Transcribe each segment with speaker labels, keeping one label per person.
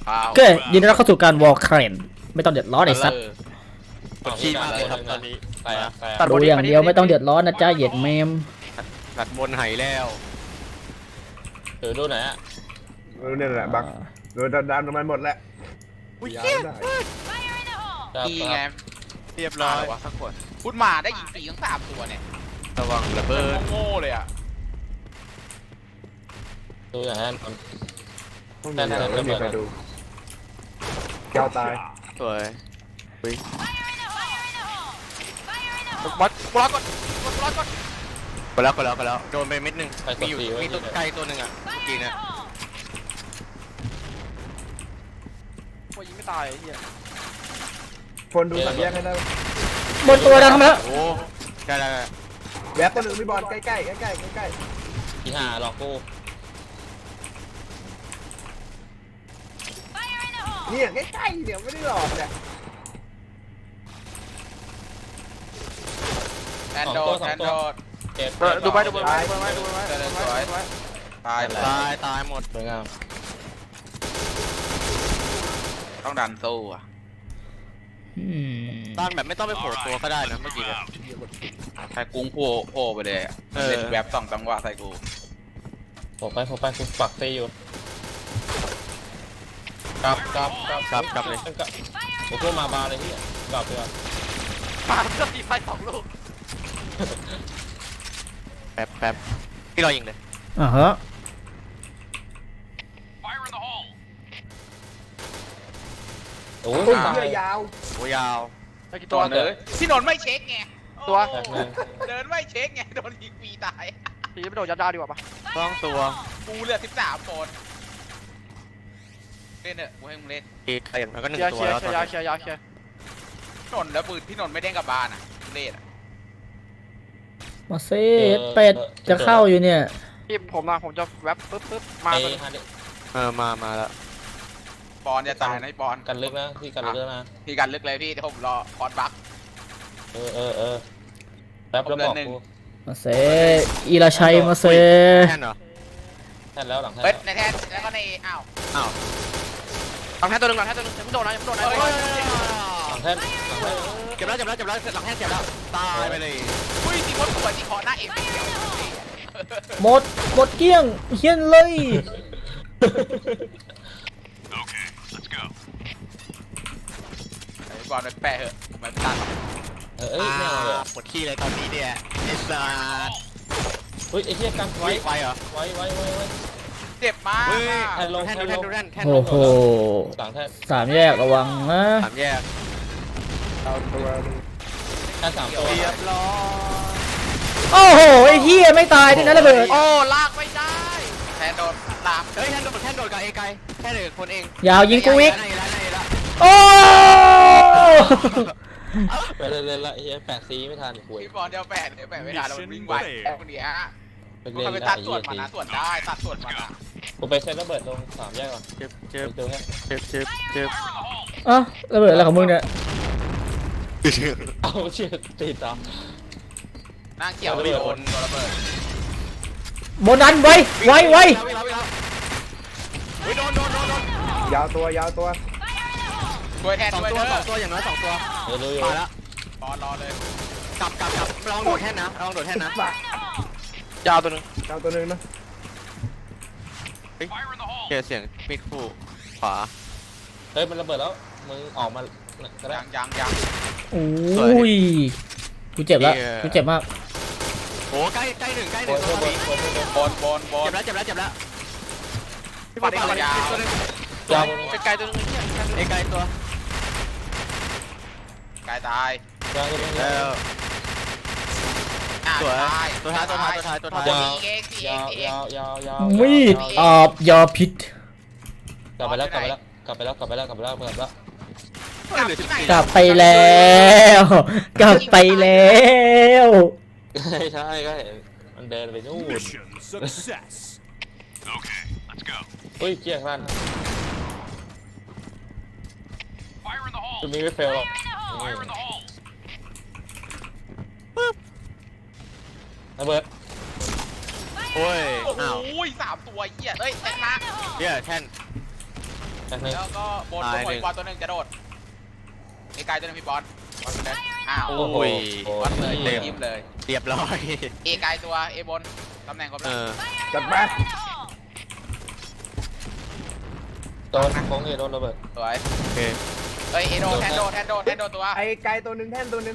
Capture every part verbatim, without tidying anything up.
Speaker 1: โอเคยินดีต้อนรับเข้าสู่การวอลเครนไม่ต้องเดือดร้อนไอ้สัตว์
Speaker 2: ปวดขี้มากเลยครับตอนนี้ไปอ่ะไป
Speaker 1: ดูอย่างเดียวไม่ต้องเดือดร้อนนะจ๊ะเหยียดเมม
Speaker 2: ตัดบนไหแล้วเออดูไหนอ่ะ
Speaker 3: เนี่ยแหละบักโดนดันมันหมดแล้ว
Speaker 2: อุ้ย
Speaker 3: ยา
Speaker 2: เหี้ย
Speaker 3: ได้
Speaker 4: ดีไง
Speaker 2: เรียบร้อยวะ
Speaker 4: สักคนพูดมาได้ยิงสี่ทั้งสามตัวเนี่ย
Speaker 2: ระวังระเบิด
Speaker 4: โง่เลยอ่ะ
Speaker 5: ดูอย่างนั้น
Speaker 3: ต้องมีอะไรไม่มีใครดูแก้วตาย
Speaker 2: สวย
Speaker 4: บอสบอสก่อนบอสบอสก่อน
Speaker 2: ไปแล้วไปแล้วไปแล้วโดนไปเม็ดหนึ่ง
Speaker 5: ไปก
Speaker 2: มี
Speaker 5: ด
Speaker 2: อยู่
Speaker 5: สีไว้
Speaker 2: มีตัวไกลตัวหนึ่งอ่ะเมื่อกี้เนี่ย
Speaker 4: โอ้ยยิงไม่ตายไอ้เหี้ย
Speaker 3: คนดูสัญแยกให้ได้
Speaker 1: บนตัวดังทำไมแล้ว
Speaker 2: โอ้ได้ได้ได้
Speaker 3: แวบตัวหนึ่งพี่บอลใกล้ๆใกล้ๆใกล้ๆใกล้
Speaker 5: ที่ห้าหลอกกู
Speaker 3: ๆเนี่ยใกล้ๆเนี่ยไม่ได้หลอกเนี่ย
Speaker 4: แอนโดดแอนโดด
Speaker 5: เจ็บ
Speaker 4: ดูไปดูไปดูไปดูไปดูไปสวยตาย
Speaker 2: ตายตายหมด
Speaker 5: สวยงาม
Speaker 4: ต้องดันสู้อ่ะ
Speaker 1: อืม
Speaker 2: ต้านแบบไม่ต้องไปโผล่ตัวก็ได้นะเมื่อกี้เนี่ย
Speaker 4: ใส่กุ้งโผล่โผล่ไปเลยเล่นแวบสองจังหวะใส่กู
Speaker 5: ผมไปผมไปคุณปักตีอยู่กลับกลับกลับ
Speaker 2: กลับกลับเลย
Speaker 5: กลับผมเพิ่มมาบาร์เลยที่กลับเลย
Speaker 4: ปาก็ตีไฟสองลูก
Speaker 2: แป๊บแป๊บพี่รอยิงเลย
Speaker 1: อ่าฮะ
Speaker 5: โอ้
Speaker 3: ตุ้
Speaker 5: ย
Speaker 3: ม
Speaker 5: ตาย
Speaker 3: เยื่อยาว
Speaker 2: โอ้ยาว
Speaker 4: ตัวเลยพี่นนท์ไม่เช็คไงตัว
Speaker 5: แป๊บนึง
Speaker 4: เดินไม่เช็คไงโดนยิงฟรีตาย
Speaker 6: ตีไม่โดนยัดยาดีกว่าปะ
Speaker 2: ต้องตัว
Speaker 4: กูเหลือสิบสามคนเล่นเถอะกูให้มึงเล่น
Speaker 2: อีกอย่างมันก็หนึ่
Speaker 6: เค
Speaker 2: ง
Speaker 6: ลียร์
Speaker 2: ตัว
Speaker 6: เคลีย
Speaker 2: แล้ว
Speaker 6: ร์
Speaker 2: ต
Speaker 6: เค
Speaker 2: อน
Speaker 6: ลียร์
Speaker 2: นี้
Speaker 6: ยาเคลียร์ยาเคลียร์
Speaker 4: พี่นนท์แล้วปืนพี่นนท์ไม่เด้งกับบ้านอ่ะเล่นอ่ะ
Speaker 1: มาเซ่เป็ดจะเข้าอยู่เนี่ย
Speaker 6: พี่ผมมาผมจะแวบปึ๊บปึ๊บมา
Speaker 5: ไอ้
Speaker 6: เลย
Speaker 5: ฮาร์ด
Speaker 2: เออมามาแล้ว
Speaker 4: บอลจะตายนะบอล
Speaker 5: กันลึกนะที่กันลึกนะ
Speaker 4: พี่กันลึกเลยพี่เดี๋ยวผมรอคอร์สบัก
Speaker 5: เออเออเออแป๊บแล้วบอกกู
Speaker 1: มาเซ่อีราชัยมาเซ่
Speaker 2: แค่นเหรอ
Speaker 5: แท่นแล้วหลังแท่น
Speaker 4: เฮ้ยในแทนแล้วก็ในอ้าว
Speaker 2: อ้าว
Speaker 6: หลังแท่นตัวหนึ่งหลังแท่นตัวหนึ่งยังไม่โดนนะยังไม่โดนนะ
Speaker 5: หลังแท่นหลังแท่น
Speaker 2: เจ็บแล้วเจ็บแล้วเจ็บแล้วหลังแห้งเจ็บแล้วตายไปเลย
Speaker 4: อุ้ยสีคนสวยที่ขอหน้าเอ็มเดียว
Speaker 1: หมดหมดเกลี้ยงเฮี้ยนเลย
Speaker 4: ไอ้บอลไปแปะเหอะมันตัด
Speaker 5: เออเอ้ยไม่เอาเลย
Speaker 2: ปวดขี้เลยตอนนี้เนี่ยไอ้สัส
Speaker 5: เฮ้ยไอ้เหี้ยกันไว้
Speaker 2: ไว้ไฟเหรอ
Speaker 5: ไว้ไว้ไว้ไว้
Speaker 4: เจ็บมาก
Speaker 2: เฮ้ย
Speaker 5: แท่นลง
Speaker 2: แท่น
Speaker 5: แท่
Speaker 2: ดู
Speaker 5: น
Speaker 2: แท่
Speaker 5: ล
Speaker 2: น
Speaker 5: ง
Speaker 2: ดูแท่นแท่น
Speaker 1: โอ้โห
Speaker 5: หลังแท่น
Speaker 1: สามแยกระวังนะ
Speaker 2: สามแยก
Speaker 3: เอาตัว
Speaker 5: แท่นสามตัว
Speaker 2: เรียบร้อย
Speaker 1: โอ้โหไอ้เฮี้ยไม่ตายด้วยนะระเบิด
Speaker 4: โอ้ลากไม่ได้แทนโดนลาม
Speaker 2: เฮ้ยแท่นโดดแท่นโดดกับเอไกแท่นเด็กคนเอง
Speaker 1: ยาวยิงกูอีก
Speaker 2: ได้แล้วได้แล้ว
Speaker 1: โอ้
Speaker 5: ไปเล่นๆละไอ้เหี้ยแปดซีไม่ทันคุย
Speaker 4: พี่บอลเดียวแปะเดี๋ยวแปะไม่ทันแล้วมันวิ่งไวคนเดียวฮะ
Speaker 5: ไป
Speaker 4: มัน
Speaker 5: เล่น
Speaker 4: ไป
Speaker 5: ได้
Speaker 4: ตัด
Speaker 5: ไอ้
Speaker 4: ส่ว
Speaker 5: เหี้
Speaker 4: น
Speaker 5: ย
Speaker 4: มัน
Speaker 5: ที
Speaker 4: นะส่วนได้ตัดส่วนมันนะ
Speaker 5: กูไปเซ็นระเบิดลงสามแยกก่อน
Speaker 2: เจ็บเจ็บ
Speaker 5: ตรงเนี้ย
Speaker 2: เจ็บเจ็บเจ็บ
Speaker 1: อ่ะระเบิดอะไรของมึงเนี่ย
Speaker 5: เอาเชือกติดต่อ
Speaker 4: นั่งเกี่ยวโดนโดนระเบิด
Speaker 1: โบนันไว้ไว้ไว้
Speaker 2: เฮ้ยโดนโดนโดนโดน
Speaker 3: ยาวตัวยาวตัว
Speaker 4: ช่วยแทน
Speaker 2: สอง
Speaker 4: ด้วย
Speaker 2: ตัว
Speaker 4: เด้
Speaker 2: สอ
Speaker 4: อง
Speaker 2: ตัวอย่างน้อยสองตัว
Speaker 5: เออรู้อยู่
Speaker 2: มาแล้ว
Speaker 4: บอลรอเลย
Speaker 2: กลับกลับกลับลองโดดแท่นนะลองโดดแท่นนะ
Speaker 6: ยาวตัวหนึ่ง
Speaker 3: ยาวตัวหนึ่งนะ
Speaker 2: เจอเสียงมิดคู่ขวา
Speaker 5: เฮ้ยมันระเบิดแล้วมึงออกมาก็ได้
Speaker 4: ยังยังยัง
Speaker 1: โอ้ยกูเจ็บแล้วกูเจ็บมาก
Speaker 2: โอ้ใกล้ใกล้หนึ่งใกล้ห
Speaker 5: บ
Speaker 2: นึ่
Speaker 5: น
Speaker 2: ง
Speaker 5: บ
Speaker 2: ตัวน นี้
Speaker 5: บนบน
Speaker 4: บอลบอลบอล
Speaker 2: เจ็บแล้วเจ็บแล้วเจ็บแล้วพี่
Speaker 4: บ
Speaker 2: บ
Speaker 4: อ
Speaker 2: อ
Speaker 4: ล
Speaker 2: ล
Speaker 4: บอลยาว
Speaker 2: ตัวนึง
Speaker 5: ยาว
Speaker 6: ไกลๆตัวหนึ่งเนี่ย
Speaker 2: เอไกลตัว
Speaker 4: กายตาย
Speaker 5: ยาวตัวนี้
Speaker 2: แล้ว
Speaker 4: อ่า
Speaker 2: สวย
Speaker 4: ตาย
Speaker 2: ตัวท้ายตัวท้ายตัวท้ายตัวท้าย
Speaker 5: ยาว
Speaker 4: เองสี่เอย
Speaker 5: าง ว
Speaker 4: สี่เอย
Speaker 5: าง วยาวยาว
Speaker 1: มีดอาบยาพิษ
Speaker 5: กลับไปแล้วกลับไปแล้วกลับไปแล้วกลับไปแล้วกลับไปแล้วกลับไปแล้ว
Speaker 4: กลับที่ไหน
Speaker 1: กลับไปแล้วกลับไปแล้ว
Speaker 5: ใช่ก็เห็นมันเดินไปนู่น
Speaker 7: Mission success. Okay, let's go.
Speaker 5: เฮ้ยเจี๊ยกลั่น
Speaker 7: Fire in the hole.
Speaker 5: จะมีไม่เฟลหรอก
Speaker 7: Fire in the hole.
Speaker 5: ระเบิด
Speaker 2: โอ้ย
Speaker 4: โอ้โห
Speaker 2: อ้าว
Speaker 4: สามตัวเหี้ยเฮ้ยแทนมา
Speaker 2: เนี่ยแท่น
Speaker 5: แป๊บนึง
Speaker 4: แล้วก็บนตัวอีกบอลตัวหนึ่งจะโดดไอ้กายตัวหนึงพี่บอลบอลเลยอ้าว
Speaker 2: โอ้โห
Speaker 4: บอลเลยเลยยิ้มเลย
Speaker 2: เรียบร้อย
Speaker 4: เอกายตัวเอบนตำแหน่งครบ
Speaker 2: เอ
Speaker 4: แล้ว
Speaker 2: อ
Speaker 3: จัดไป
Speaker 5: โดนโค้งเอโดนระเบิด
Speaker 4: สวย
Speaker 2: โอเค
Speaker 4: เอ้ยเอโดแทนโดแทนโดแทนโดตัว
Speaker 3: ไอ้ไกลตัวหนึ่งแท่นตัวหนึ่ง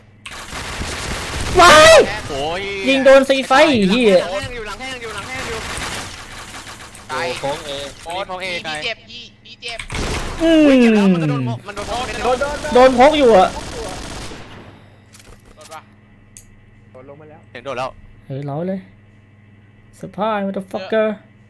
Speaker 1: ว้าย
Speaker 2: โอ้ย
Speaker 1: ยิงโดนซีไฟเฮีย
Speaker 2: หลังแห้งอยู่หลังแห้งอยู่หลังแห้งอยู่
Speaker 4: กาย
Speaker 5: โค้งเอ
Speaker 4: โอ้พี่พี่เจ็บพี่พี่เจ็บ
Speaker 1: อืม
Speaker 2: เจ็บแล้วมันก็โดนมันโดนโดน
Speaker 3: โดนโดน
Speaker 1: โดนพกอยู่อะ
Speaker 4: โดนปะ
Speaker 3: โดนลงมาแล้ว
Speaker 2: เห็นโดนแล้ว
Speaker 1: เฮ้ยเราเลยสปายมันจะฟักเกอร์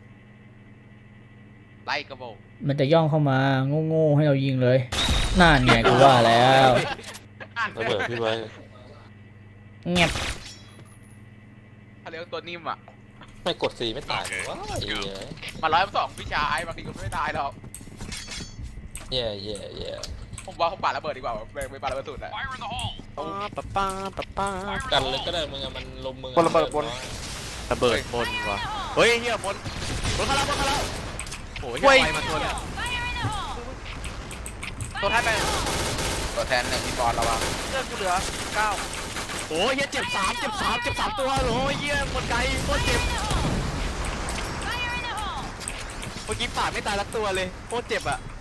Speaker 4: ไล่กระโบก
Speaker 1: มันจะย่องเข้ามาโง่ๆให้เรายิงเลยนั่นไงกูว่าแล้ว
Speaker 5: ระเบิดพี่ไว้
Speaker 1: เงียบ
Speaker 4: เขาเรียกตัวนิ่มอ่ะ
Speaker 5: ไม่กดสีไม่ตายว้าย
Speaker 4: มาร้อยสองพี่ชายบางทีก็ไม่ได้หรอก
Speaker 5: แย่แย่แย่
Speaker 4: ผมว่าผมปาระเบิดดีกว่าไม่ไม่ปาระเบิดสุดอะ
Speaker 7: Fire in the hole.
Speaker 2: ป้าป้าป้าป้าป้า
Speaker 5: กันเลยก็ได้มึงอะมันลมมึง
Speaker 2: ระเบิดบนว่ะเฮ้ยเฮียบนบนเข้าแล้วบนเข้าแล้วโอ้ยไฟมาตัวเนี่ย
Speaker 6: ตัวแทนไป
Speaker 4: ตัวแทนหนึ่งพี่บอลระวัง
Speaker 6: เลือดกูเหลือเก้า
Speaker 2: โอ้ยเฮียเจ็บสามเจ็บสามเจ็บสามตัวโอ้ยเฮียหมดไกลโคตรเจ็บเมื่อกี้ปาดไม่ตายลักตัวเลยโคตรเจ็บอ่ะ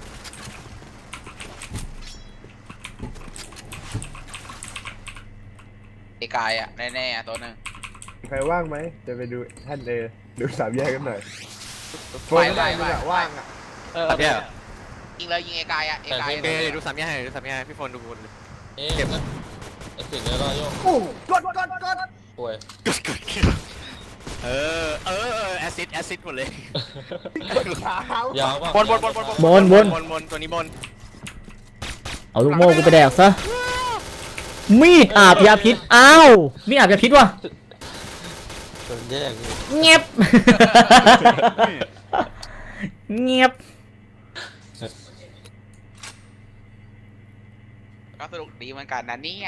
Speaker 4: ไอ้กายอ่ะแน่ๆตัวหนึ่ง
Speaker 3: ใครว่างไหมจะไปดูแท่นเอดูสามแยกกันหน่อยโฟ
Speaker 4: ไป
Speaker 3: น
Speaker 4: ไป
Speaker 3: ได้
Speaker 4: ไป
Speaker 3: มึงอะว่างอะ
Speaker 6: เออ
Speaker 2: เนี่ย
Speaker 4: ยิงเลยยิงไอ้กายอ่ะไอ้กาย
Speaker 2: โอเคเดี๋ยวดูสามแยกให้ดูสามแยกให้พี่โฟนดูบนเลย
Speaker 5: เอ๊ะนะไอ้สิ่งนี้ก็โยก
Speaker 3: โอ้กดกดกด
Speaker 5: ป่วย
Speaker 2: เออเออแอซิดแอซิดหมดเลย
Speaker 3: ขาย
Speaker 5: าวป่ะ
Speaker 6: บนบนบนบนบน
Speaker 1: บนบน
Speaker 2: บนบนตัวนี้บน
Speaker 1: เอาลูกโม่กูไปแดกซะมีดอาบยาพิษอ้าวมีดอาบยาพิษว่ะ
Speaker 5: โดนแย่งอยู่
Speaker 1: เงียบ เงียบ
Speaker 4: ก็สนุกดีเหมือนกันนะเนี่ย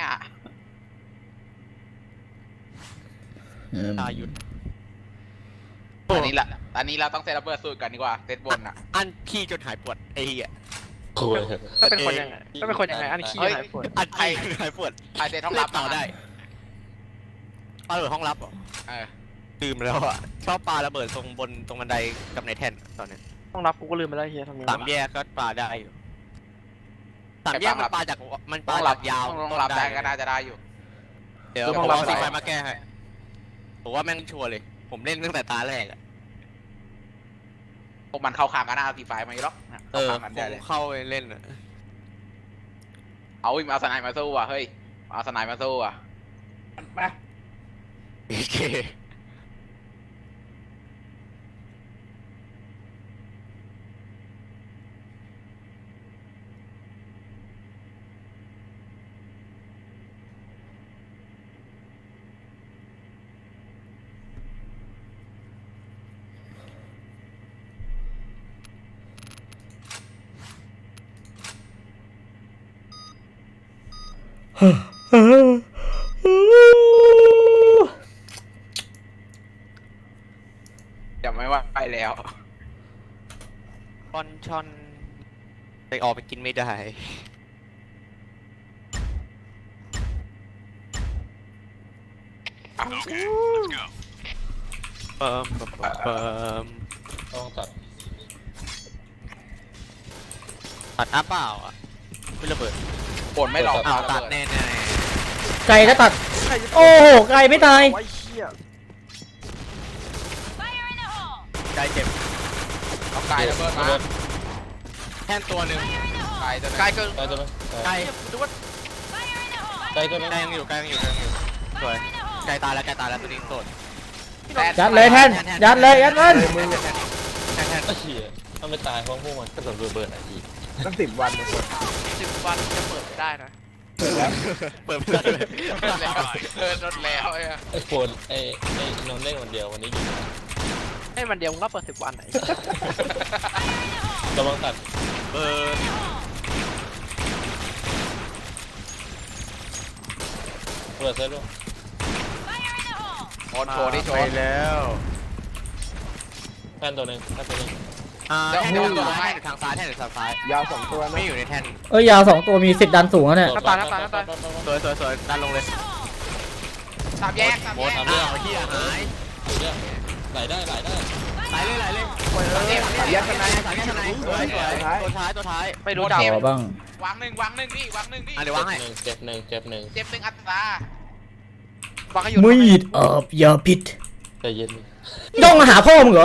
Speaker 2: ตาหยุด
Speaker 4: อันนี้ละอันนี้เราต้องเซตระเบิดสูตรกันดีกว่าเซตบนอ่ะ
Speaker 2: อันขี้จนหายปวดไอ้เหี้ย
Speaker 5: ป่วย
Speaker 6: ถ้าเป็นคนยังไงถ้าเป็นคนยังไงอันขี้หายปวด
Speaker 2: อันขี้หายปวด
Speaker 4: ใครเซตห้องรับ
Speaker 2: ต่อได้ปาระเบิดห้องรับเหรอ
Speaker 4: เออ
Speaker 2: ลืมแล้วอ่ะชอบปาระเบิดตรงบนตรงบันไดกับในแท่นตอนนั้น
Speaker 6: ต้องรับกูก็ลืมไปแล้วเฮียทำไง
Speaker 2: สามแยกก็ปาได้อยู่สามแยกมันปาจากมันปา
Speaker 4: ต้อง
Speaker 2: จา
Speaker 4: รับ
Speaker 2: กยาว
Speaker 4: ต้องรับได้ก็น่าจะได้อยู่
Speaker 2: เดี๋ยวผมเอาสีไฟมาแก้ให้ผมว่าแม่งชัวร์เลย ผมเล่นตั้งแต่ตาแรกอะ
Speaker 4: พวกมันเข้าขางกันหน้าทีไฟมาอยู่หรอก
Speaker 2: เอ
Speaker 4: เข้า
Speaker 2: อ
Speaker 4: ขางกัน
Speaker 2: ผ
Speaker 4: ได้
Speaker 2: ม
Speaker 4: เลย
Speaker 2: เข้าไปเล่นอะ
Speaker 4: เอาอีกมาเอาสไนด์มาสู้ว่ะเฮ้ยเอาสไนด์มาสู้ว่ะ
Speaker 3: ไป
Speaker 2: โอเค
Speaker 4: จะไม่ว่าไปแล้ว
Speaker 2: บอลชอนไปออกไปกินไม่ได้
Speaker 7: Okay, let's go.
Speaker 2: เปิมเปิมเปิม
Speaker 5: ต้องตัด
Speaker 2: ตัดอัพเปล่าอ่ะไม่ระเบิด
Speaker 4: บนไม่หลอก
Speaker 2: อ้าว
Speaker 4: ระ
Speaker 2: ตัด
Speaker 4: เบิ
Speaker 2: แน่แน่
Speaker 1: ไก่ก็ตัด โอ้โหไก่ไม่ตาย
Speaker 6: ไอ้เฮีย
Speaker 2: ใจเจ็บ
Speaker 4: เอากายระเบิดมา
Speaker 2: แท่นตัวหนึ่ง
Speaker 4: กายตัวนึง
Speaker 6: กายเกิน
Speaker 5: ไกลตัวนึง
Speaker 2: ไกล
Speaker 6: ดูว่า
Speaker 5: ไกลตัวนึง
Speaker 2: ไกลยังอยู่ไกลยังอยู่ไกลยังอยู่สวยไกลตายแล้วไกลตายแล้วตัวนี้โสด
Speaker 1: ยัดเลยแทนยัดเลยยัดมัน
Speaker 2: แท่นแท่น
Speaker 5: ไอ้เหี้ยถ้าไม่ตายเพราะพวกมันก็โดนระเบิดไอ้ที
Speaker 3: ตั้งสิบวันเลย
Speaker 6: สิบวันจะเปิดได้นะ
Speaker 2: เปิดไม่ได้เลย
Speaker 4: แล้วเออรถแล้วไอ้
Speaker 5: ไอ้โฟนไอ้ไอ้นนท์เล่นคนเดียววันนี้อยู่
Speaker 6: ให้มันเดียวมึงก็เปิดสิบวันไหน
Speaker 5: ระวังตัด
Speaker 2: เปิด
Speaker 5: เปิดเซตด้วย
Speaker 4: โอนโชว์ดิโช
Speaker 2: ไป
Speaker 4: ว์
Speaker 2: แล้ว
Speaker 5: แฟนตัวนึงแฟนตัวนึง
Speaker 2: อ่า
Speaker 4: เดี๋ยว
Speaker 2: แท่น
Speaker 4: เดี๋ยว
Speaker 2: ทาง
Speaker 4: ตัว
Speaker 2: ซ้าย
Speaker 4: ให้
Speaker 2: แท่นทางซ้ายแท่นทางซ้าย
Speaker 3: ยาวสองตัวนะ
Speaker 2: ไม่อยู่ในแท่น
Speaker 1: เอ้ยยาวสองตัวมีสิทธิ์ดันสูงแล้วเนี่ย
Speaker 6: น้ำตาลน้ำตาลน้ำตาล
Speaker 2: สวยสวยสวยดันลงเลย
Speaker 4: สามแยกสาม
Speaker 2: หม
Speaker 4: แย
Speaker 2: ด
Speaker 4: ก
Speaker 2: อ้าวเฮียหาย
Speaker 5: ไหลได้ไหลได้
Speaker 2: ไหลเลยไหลเลย
Speaker 4: สามแยกสามแยก
Speaker 2: สายแยกข้างในสวยสวยตัวท้ายตัวท้าย
Speaker 6: ไม่รู้ดาว
Speaker 1: ขอบ้าง
Speaker 4: วางหนึ่งวางหนึ่งนี่วางหนึ่งนี่
Speaker 2: อ่ะเดี๋ยววางให้
Speaker 5: เจ็บหนึ่งเจ็บหนึ่ง
Speaker 4: เจ็บหนึ่งอัตรา
Speaker 6: วางให้อยู่
Speaker 1: มีดอาบยาพิษ
Speaker 5: ใจเย็น
Speaker 1: ย่องมาหาพ่อมึงเหรอ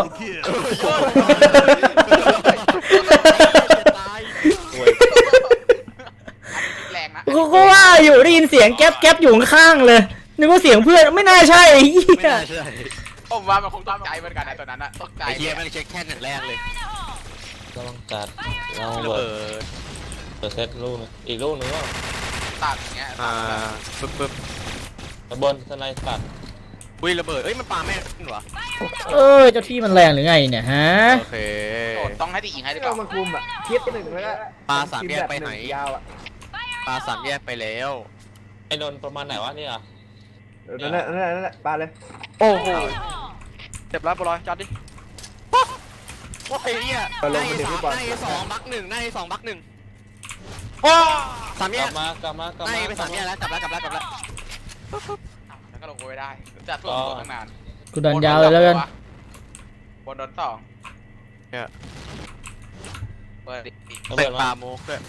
Speaker 2: ตาย
Speaker 4: แรงนะ
Speaker 1: กูก็ว่าอยู่ได้ยินเสียงแก๊บแก๊บอยู่ข้างๆเลยนึกว่าเสียงเพื่อนไม่น่าใช่ไอ้เหี้
Speaker 2: ไม่
Speaker 1: ย
Speaker 2: น่าใช่
Speaker 4: ผมว่ามันคงตกใจเหมือนกันนะตอนนั้นอะตกใจ
Speaker 2: ไอ้เฮียแม่งเช็คแท่นอย่างแรกเลย
Speaker 5: เราต้องจัดเรา
Speaker 2: ระ
Speaker 5: เบิ
Speaker 2: เบิ
Speaker 5: ด
Speaker 2: ด
Speaker 5: เปิดเซตลูกนึงอีกลูกนึงว่า
Speaker 4: ตัดอย่างเงี้ย
Speaker 2: อ่าปึ๊บปึ๊บ
Speaker 5: ระเบนสไนตัด
Speaker 2: อุ้ยระเบิดเอ้ยมันปาแม่นวะ
Speaker 1: เอ้ยเจ้าที่มันแรงหรือไงเนี่ยฮะ
Speaker 2: โอเค
Speaker 4: โดดต้องให้ตียิงให้หรือเป
Speaker 3: ก็
Speaker 4: ล่า
Speaker 3: มาคุมอ่ะคิดหนึ่งแล้วก็
Speaker 2: ปลาสามแยกไปไหน
Speaker 3: ยาวอ่ะ
Speaker 2: ปลาสามแยกไปแล้ว
Speaker 5: ไอ้นนประมาณไหนวะเนี่ย
Speaker 3: นั่นแหละนั่นแหละนั่นแหละปาเลย
Speaker 6: โอ้โหเจ็บแล้วบอลอยจัดดิ
Speaker 2: โอ้ยเฮีย
Speaker 3: ไปล
Speaker 2: ได้
Speaker 3: งมาเดี๋ยว
Speaker 2: สา
Speaker 3: พี่
Speaker 2: ม
Speaker 3: บอล
Speaker 2: ได้สองบักหนึ่งได้สองบักหนึ่ง
Speaker 6: โอ้
Speaker 2: สามแย
Speaker 5: กลั
Speaker 2: ก
Speaker 5: บมากลับมากลับ
Speaker 2: ได้
Speaker 5: มา
Speaker 2: ไปสามแยกแล้วกลับแล้วกลับแล้วกลับแล้ว
Speaker 4: แล้วก็ลงไปได้จัดตัวตัวตั้งนาน
Speaker 1: กูดันยาวเลยแล้วกัน
Speaker 4: บนโดนสองเปิดดิ
Speaker 5: ระ
Speaker 2: เตะ
Speaker 5: เบิด
Speaker 2: ป
Speaker 5: มา
Speaker 2: ลาโมกด้วย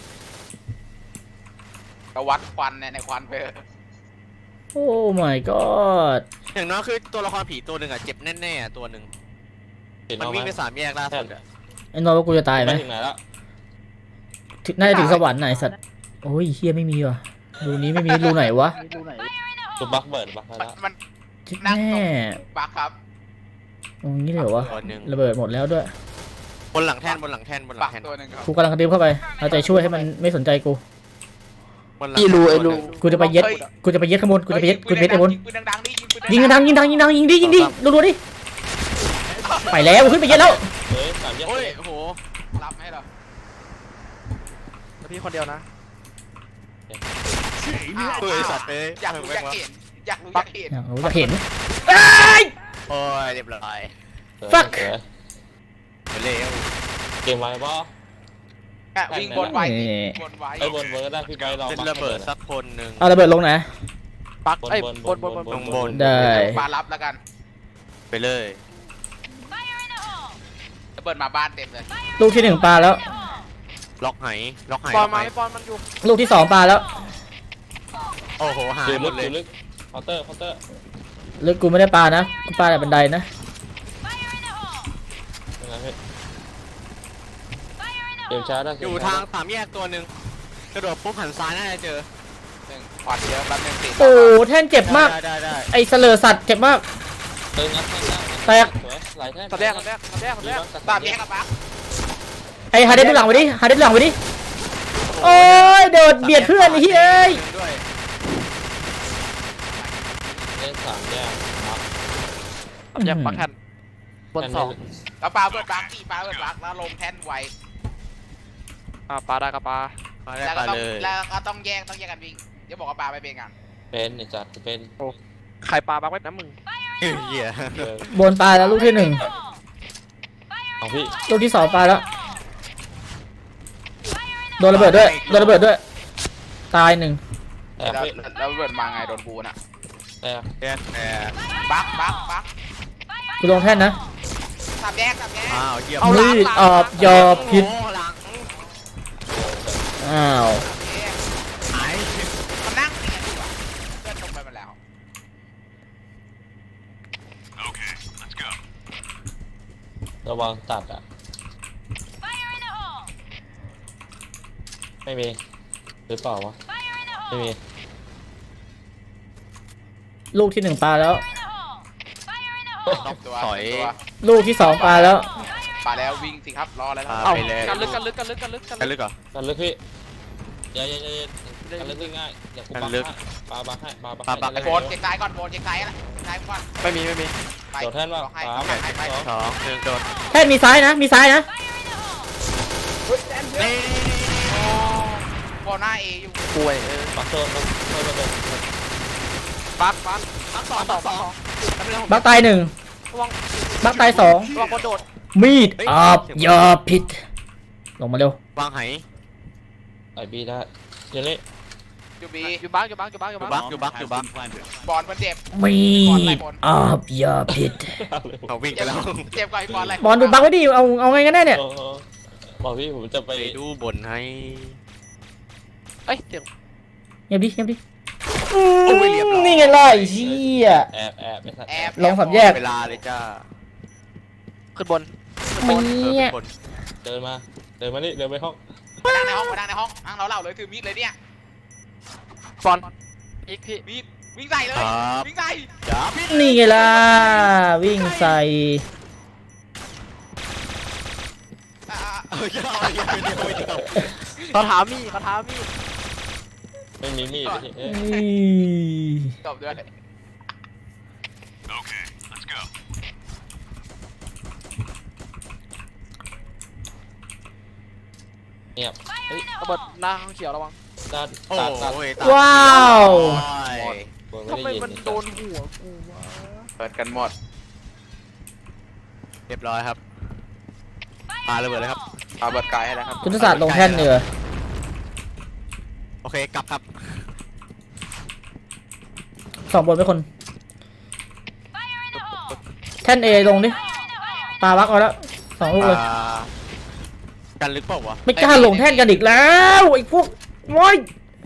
Speaker 4: ก็วัดควันเนี่ยในควันไป
Speaker 1: โอ้ my god
Speaker 2: อย่างน้อยคือตัวละครผีตัวหนึ่งอะเจ็บแน่ๆอะตัวหนึ่ง
Speaker 5: เห็น
Speaker 2: มัน
Speaker 5: เอาไหม
Speaker 2: วิ่งไปสามแยกล่าสุดอะ
Speaker 1: ไอ้นอนว่ากูจะตายไห
Speaker 5: ไป
Speaker 1: ม
Speaker 5: ถึงไหนแล้ว
Speaker 1: ถึงน่าจะถึงสวรรค์ไหนสัตว์โอ้ยเฮียไม่มีว่ะรูนี้ไม่มีรูไหนวะ
Speaker 5: ตัวบักเบิร์ดบักแล้ว
Speaker 4: มัน
Speaker 1: จิ๊ด
Speaker 4: นั่ง
Speaker 1: แน่
Speaker 4: บักครับ
Speaker 1: ตรงนี้เลยเหรอวะ
Speaker 2: ตัวหนึ่ง
Speaker 1: ระเบิดหมดแล้วด้วย
Speaker 2: บนหลังแท่นบนหลังแท่นบนหลั
Speaker 4: บั
Speaker 2: ง
Speaker 4: ก
Speaker 2: แท่น
Speaker 4: ตัวหนึ่งครับ
Speaker 1: กูกำลังกระดึ๊บเข้าไปเอาใจช่วยให้มันไม่สนใจกู
Speaker 2: บนหลัง
Speaker 6: อีรูไอรู
Speaker 1: กูจะไปเย็ดกูจะไปเย็ดข้างบนกูจะไปเย็ดกูจะไปเย็ดไอ้บน
Speaker 4: ยิงปืนดังๆดิยิงปืน
Speaker 1: ยิงดังยิงดังยิงดังยิงดิยิงดิรัวๆดิไปแล้วขึ้นไปเย็ดแล้ว
Speaker 5: เฮ้ยสามแยก
Speaker 2: โอ้ยโอ้โห
Speaker 4: รับให้เหรอ
Speaker 6: แล้วพี่คนเดียวนะ
Speaker 2: เฮ้ยสัตว์เลย
Speaker 4: อยากรู้อยากเห็นอยากรู้อยากเห็น
Speaker 1: อยากรู้อยากเห็น
Speaker 2: โอ้ยเรียบร้อย
Speaker 1: fuck
Speaker 2: ไปเร็ว
Speaker 5: เกมไว้ป่ะ
Speaker 4: วิ่งบนไว้บนไว้
Speaker 5: ไอ้บนเบิร์ดได้พี่ใบลอง
Speaker 2: เป็น
Speaker 5: บัก
Speaker 2: ระเบิดสักคนหนึ่ง
Speaker 1: เอาระเบิดลงไหน
Speaker 6: ปัก
Speaker 5: บน
Speaker 6: ไอ้ย
Speaker 5: บน
Speaker 6: บบ น
Speaker 5: น
Speaker 6: บบ น
Speaker 5: น
Speaker 6: บบ น
Speaker 2: ข้างบน
Speaker 1: ได้
Speaker 4: บารับแล้วกัน
Speaker 2: ไปเลย
Speaker 4: จะเปิดมาบ้านเต็มเลย
Speaker 1: ลูกที่หนึ่งปลาแล้ว
Speaker 2: ล็อกไหล็อกไห
Speaker 6: ป
Speaker 2: ล็
Speaker 6: อ
Speaker 2: อน กไห
Speaker 6: มาไม่ปอนมันอยู่
Speaker 1: ลูกที่สองปลาแล้ว
Speaker 2: โอ้โหหาย
Speaker 5: อยู่
Speaker 2: หม
Speaker 5: ลึ
Speaker 2: ด
Speaker 5: ก
Speaker 2: เล
Speaker 5: อย ยู่ลึกเคาน์เตอร์เคาน์เตอร์
Speaker 1: ลึกกูไม่ได้ปลานะกูปลาแต่บันไดนะ
Speaker 5: ยังไงพี่เกมช้าได้
Speaker 2: อยู่ทางสามแยกตัวหนึ่งกระโดดปุ๊บหันซ้ายน่าจะเจอ
Speaker 4: หนึ่งขวานเยอะแป๊บนึงสิ
Speaker 1: โอ้แท่นเจ็บมาก
Speaker 2: ได้ได้ได้
Speaker 1: ไอ้เสลอสัตว์เจ็บมาก
Speaker 5: เติมงัดแท่งได้
Speaker 1: แตก
Speaker 5: สวยหลายแท่ง
Speaker 6: ตัดแรกตัดแรกตัดแรกตัดแรก
Speaker 4: ตามแยกกับบัก
Speaker 1: ไอ้ฮาเดสดูหลังไปดิฮาเดสดูหลังไปดิโอ้ยโดดเบียดเพื่อนไอ้เฮ้ย
Speaker 2: ด้วย
Speaker 5: เล่นสามแยกบัก
Speaker 6: ตัดแรกปักแทนบนสอง
Speaker 4: แล้วปลาเปิดบักกี่ปลาเปิดบักแล้วลงแท่นไว้
Speaker 6: อ่าปลาได้กับปลา
Speaker 2: มาได้
Speaker 4: แล้ว
Speaker 2: ไป
Speaker 4: ก็ต้อง
Speaker 2: เลย
Speaker 4: แล้วก็ต้องแยกต้องแยกกันวิ่งเดี๋ยวบอกว่าปลาไปเป็นกัน
Speaker 5: เป็นไอ้จัดเป็น
Speaker 6: ใครปลาบักไว้นะมึง
Speaker 2: เหี้ย
Speaker 5: เดิน
Speaker 1: บนปลาแล้วลูกที่หนึ่ง
Speaker 5: เอาพี่
Speaker 1: ลูกที่สองปลาแล้วโดนระเบิดด้วยโดนระเบิดด้วยตายหนึ่ง
Speaker 5: แตก
Speaker 4: แล้ว
Speaker 5: พี่
Speaker 4: แล้วเปิดมาไงโดนบูน่ะ
Speaker 5: แตก
Speaker 2: แยกแต่
Speaker 4: บักบักบัก
Speaker 1: กูลงแท่นนะ
Speaker 4: สามแยกสามแยก
Speaker 2: อ้าวเยี่ยม
Speaker 1: มีดอาบยาพิษ
Speaker 2: โอ้หลัง
Speaker 1: อ้าว
Speaker 2: หาย
Speaker 4: มันนั่งเนียนอยู่อ่ะเพื่อนลงไปหมดแล้ว
Speaker 7: Okay, let's go.
Speaker 5: ระวังตัดอ่ะไม่มีหรือเปล่าวะไม่มี
Speaker 1: ลูกที่หนึ่งปลาแล้ว
Speaker 4: ตัว
Speaker 2: ถอย
Speaker 4: ตัว
Speaker 1: ลูกที่สองปลาแล้ว
Speaker 4: ปลาแล้ววิ่งสิครับรออะไรค
Speaker 2: อ่า
Speaker 4: รับ
Speaker 6: เอ้า
Speaker 2: ไปเลย
Speaker 6: กันลึกกันลึกกันลึกกันลึกกัน
Speaker 2: กัน
Speaker 6: ลึ
Speaker 2: ลึ
Speaker 6: ก
Speaker 2: กเหรอ
Speaker 5: กันลึกพี่อย่าอย่าอย่ากันลึกง่ายอย่ากู
Speaker 2: กัน
Speaker 5: บัก
Speaker 2: ลึก
Speaker 5: ให้ปาบักให้ปาบัก
Speaker 2: ปาบัก
Speaker 5: ให้
Speaker 4: โบนเช็คซ้ายก่อนโบนเช็คซ้ายอะไรซ้ายก่อน
Speaker 6: ไม่มีไม่มี
Speaker 4: ไป
Speaker 5: โดดแท่นว่า
Speaker 4: บอกให้
Speaker 5: สาม
Speaker 4: ให้ให้
Speaker 5: สอง
Speaker 2: สองหนึ่งโดด
Speaker 1: แท่นมีซ้ายนะ มีซ้ายนะ
Speaker 2: นี่
Speaker 4: บอลหน้าเออยู่
Speaker 6: ป่วยเออ
Speaker 5: บักโซนบักโซนระเบิด
Speaker 6: ปักปัก
Speaker 2: บักสองบักสอง
Speaker 1: บักตายหนึ่ง
Speaker 6: ระวัง
Speaker 1: บักตายสอง
Speaker 6: ระวังคนโดด
Speaker 1: มีดอาบยาพิษลงมาเร็ว
Speaker 2: วางไห
Speaker 5: ไอบีได้เดี๋ยวนี้
Speaker 4: ยูบี
Speaker 6: อยู่บ้างอยู่บ้างอยู่บ้างอยู่
Speaker 2: อยู่
Speaker 6: บ้าง
Speaker 2: บักอยู่บักอยู่บัก
Speaker 7: planted.
Speaker 4: บอลมันเจ็บ
Speaker 1: มีดอาบยาพิษ
Speaker 2: เขาวิ่งไป
Speaker 4: เจ็บ
Speaker 2: แล้ว
Speaker 4: เจ็บกว่าไอ้บอลอะไร
Speaker 1: บอลดูบักไว้ดิเอาเอาไงกันแน่เนี่ย
Speaker 5: โอ้โหบอกพี่ผมจะไป
Speaker 2: ไปดูบนให้
Speaker 6: เอ้ยเสียง
Speaker 1: เงียบดิเงียบดิ
Speaker 2: โอ้ยเรียบร้อย
Speaker 1: นี่ไงล่ะไอ้เหี้ย
Speaker 5: แอบแอบไม่ทัน
Speaker 4: แอบ
Speaker 1: ลองสับแยก
Speaker 2: เวลาเลยจ้า
Speaker 6: ขึ้นบน
Speaker 1: มี
Speaker 2: เออ
Speaker 1: ด
Speaker 2: เป็นบน
Speaker 5: เดินมาเดินมานี่เดินไปห้อง
Speaker 4: มานั่งในห้องมานั่งในห้องนั่งเราเล่าเลยถือมีดเลยเนี่ย
Speaker 6: บอลอีกพี่
Speaker 4: มีดวิ่งใส่เลย
Speaker 2: ครับ
Speaker 4: วิ่งใส่
Speaker 2: จับ
Speaker 1: นี่ไงล่ะวิ่งใส่
Speaker 4: อ่า
Speaker 2: เออเยอะเยอะเยอะเยอะ
Speaker 6: เขาถามมี่เขาถามมี่
Speaker 5: ไม่มีมีดเลยเอ๊ะ
Speaker 1: นี่
Speaker 4: จบด้วย
Speaker 7: Okay, let's go.
Speaker 5: เงียบเฮ้ย
Speaker 6: ระเบิดหน้าห้องเขียวระวัง
Speaker 5: ด้าน
Speaker 2: โอ้
Speaker 5: ตัดตัด
Speaker 2: ยตา
Speaker 1: ว้าว
Speaker 2: โอ้ย
Speaker 5: ผม
Speaker 6: ทำไม
Speaker 5: ไม่ได้ยิน
Speaker 6: มันโดนหัวกูวะ
Speaker 4: เปิดกันหมด
Speaker 2: เรียบร้อยครับปาระเบิดเลยครับ
Speaker 4: เอาเบิดไกลให้แล้วครับ
Speaker 1: ยุทธศาสตร์ลงแท่นเนือ
Speaker 2: โอเคกลับครับ
Speaker 1: สองบนไปคน แท่นเอลงดิปาวักเอาแล้วสองลูกเลย
Speaker 2: อ่ากันลึกเปล่าวะ
Speaker 1: ไม่กล้าลงแท่นกันอีกแล้วไอ้พวกโว้ย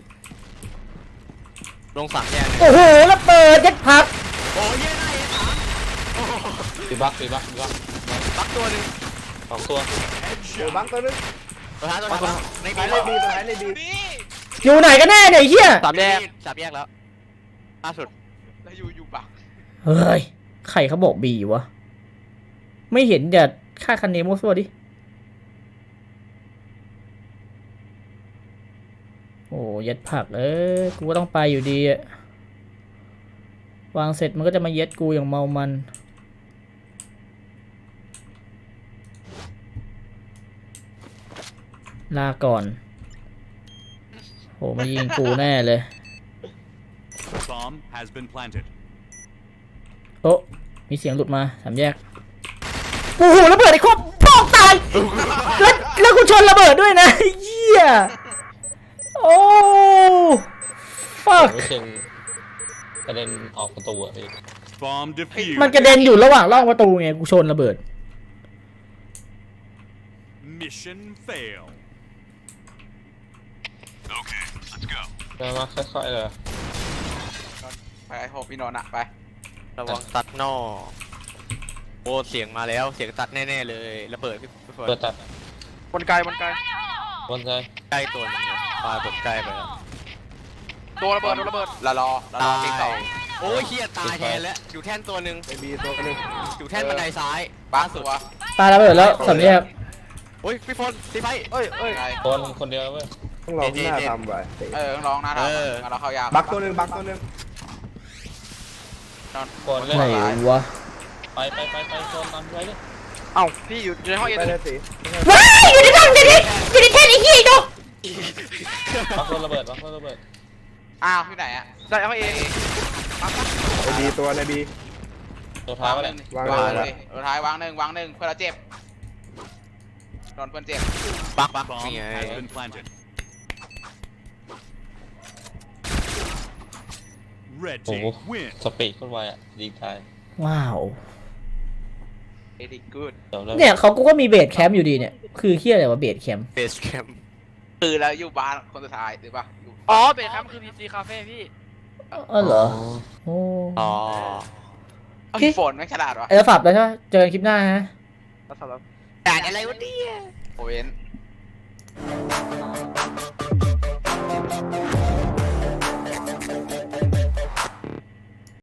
Speaker 2: ลงสามแยกเลย
Speaker 1: โอ้โหแล้วเปิดยัดผัก
Speaker 2: โอ้ยเย้ได้สามโอ้โห
Speaker 5: ปีบักปีบักปีบัก
Speaker 2: บักตัวหนึ่ง
Speaker 5: สองตัว
Speaker 3: เดี๋ยวบังตัวนึง
Speaker 2: ตัวท้ายตัวท้ายใน
Speaker 3: ไป
Speaker 2: บี
Speaker 3: เลยบีไปเลยบี
Speaker 4: นี่
Speaker 1: อยู่ไหนกันแน่เนี่ยไอ้เหี้ย
Speaker 6: สามแยก
Speaker 2: สามแยกแล้วล่าสุด
Speaker 4: แล้วอยู่อยู่บัก
Speaker 1: เฮ้ยใครเขาบอกบีวะไม่เห็นอย่าค่าคันเนโมซัวดิโอ้ยัดผักเอ้ยกูก็ต้องไปอยู่ดีอะวางเสร็จมันก็จะมาเย็ดกูอย่างเมามันลาก่อนโหมายิงกูแน่เลย
Speaker 7: Bomb has been planted.
Speaker 1: โอ้มีเสียงหลุดมาสามแยกโอ้โหระเบิดไอ้ครบปอกตายแล้วแล้วกูชนระเบิดด้วยนะเหี้ยโอ้ fuck
Speaker 5: ไม่เชิงกระเด็นออกประตูอะพี่
Speaker 7: Bomb defused.
Speaker 1: มันกระเด็นอยู่ระหว่างร่องประตูไงกูชนระเบิด
Speaker 7: Mission fail. Okay, let's go.
Speaker 5: เดินมาค่อยๆเลย
Speaker 4: ไปไอ้หกพี่นนท์อะไป
Speaker 2: ระวังตัดนอโอ้เสียงมาแล้วเสียงตัดแน่ๆเลยระเบิดพี่พี่ฝน
Speaker 5: เปิดตัด
Speaker 6: บนไกลบนไกล
Speaker 5: บนใจ
Speaker 2: ใกล้ตัวหนึงเลยปาแบบใกล้ไปแล้ว
Speaker 6: โดนระเบิดโดนระเบิด
Speaker 4: ละรอละรอ
Speaker 2: ตาย
Speaker 4: ที่สอง
Speaker 2: โอ้ยเฮียตายแทนแล้วอยู่แท่นตัวหนึ่ง
Speaker 3: ไปบีตัวนึง
Speaker 2: อยู่แท่นบันไดซ้าย
Speaker 4: บั
Speaker 2: ล่าก สุ
Speaker 4: ตั
Speaker 2: ด
Speaker 4: ว
Speaker 1: ปาระเบิดแล้วสามแยก
Speaker 2: โอ้ยพี่ฝนตีไฟ
Speaker 6: เอ้ยเอ้ย
Speaker 4: ไกล
Speaker 5: คนคนเดียวเว้ย
Speaker 3: ต้องลองหน้าทำไว้
Speaker 4: เออต้องร้องนะเรางั้นเราเข้ายาก
Speaker 3: บักตัวนึงบักตัวนึง
Speaker 5: คนเล่น
Speaker 1: ไหนวะ
Speaker 5: ไปไปไปไปคนนำไปเลย
Speaker 6: เอ้าพี่อยู่ในห้องเอ็น
Speaker 3: ไปเลยสิ
Speaker 1: ว้ายอยู่ในร่องอยู่ในอยู่ในแท่นไอ้เหี้ยดู
Speaker 5: บักคนระเบิดบักคนระเบิด
Speaker 4: อ้าวที่ไหนอะ
Speaker 6: ได้ห้องเอ็น
Speaker 3: ในบีตัวในบี
Speaker 5: ตัวท้ายว
Speaker 4: าง
Speaker 5: ไป
Speaker 4: ห
Speaker 5: เล
Speaker 4: นึ่
Speaker 5: ย
Speaker 4: งวางหนึ่งตัวท้ายวางหนึ่งวางหนึ่งเพื่อนเราเจ็บโดนเพื่อนเจ็บ
Speaker 2: บักบัก
Speaker 7: Bomb
Speaker 2: นี่ไง
Speaker 7: has been planted. Red
Speaker 5: โอ้โห
Speaker 7: team win.
Speaker 5: สปีดโคนไวอ่ะดีตาย
Speaker 1: ว้าว
Speaker 4: เอดิกูด
Speaker 5: เดี๋ยวเริ่ม
Speaker 1: เนี่ยเขากูก็มีเบสแคมป์อยู่ดีเนี่ยคือเหี้ยอะไรวะเบสแคมป์
Speaker 2: เบสแคมป์
Speaker 4: คือแล้วอยู่บ้านคนสุดท้ายหรือปะอยู่
Speaker 6: อ๋อเบรคครับมันคือพีซีคาเฟ่พี่
Speaker 1: เออเหรอโอ้
Speaker 2: อ๋อ
Speaker 4: เอ้ยฝนไม่งฉลาดวะ
Speaker 1: ไอ้เราฝับแล้วใช่ไหมเจอกันคลิปหน้าฮะ
Speaker 6: แล้วสำหรับ
Speaker 2: แต่อะไรวะเนี่ย
Speaker 4: โอเวน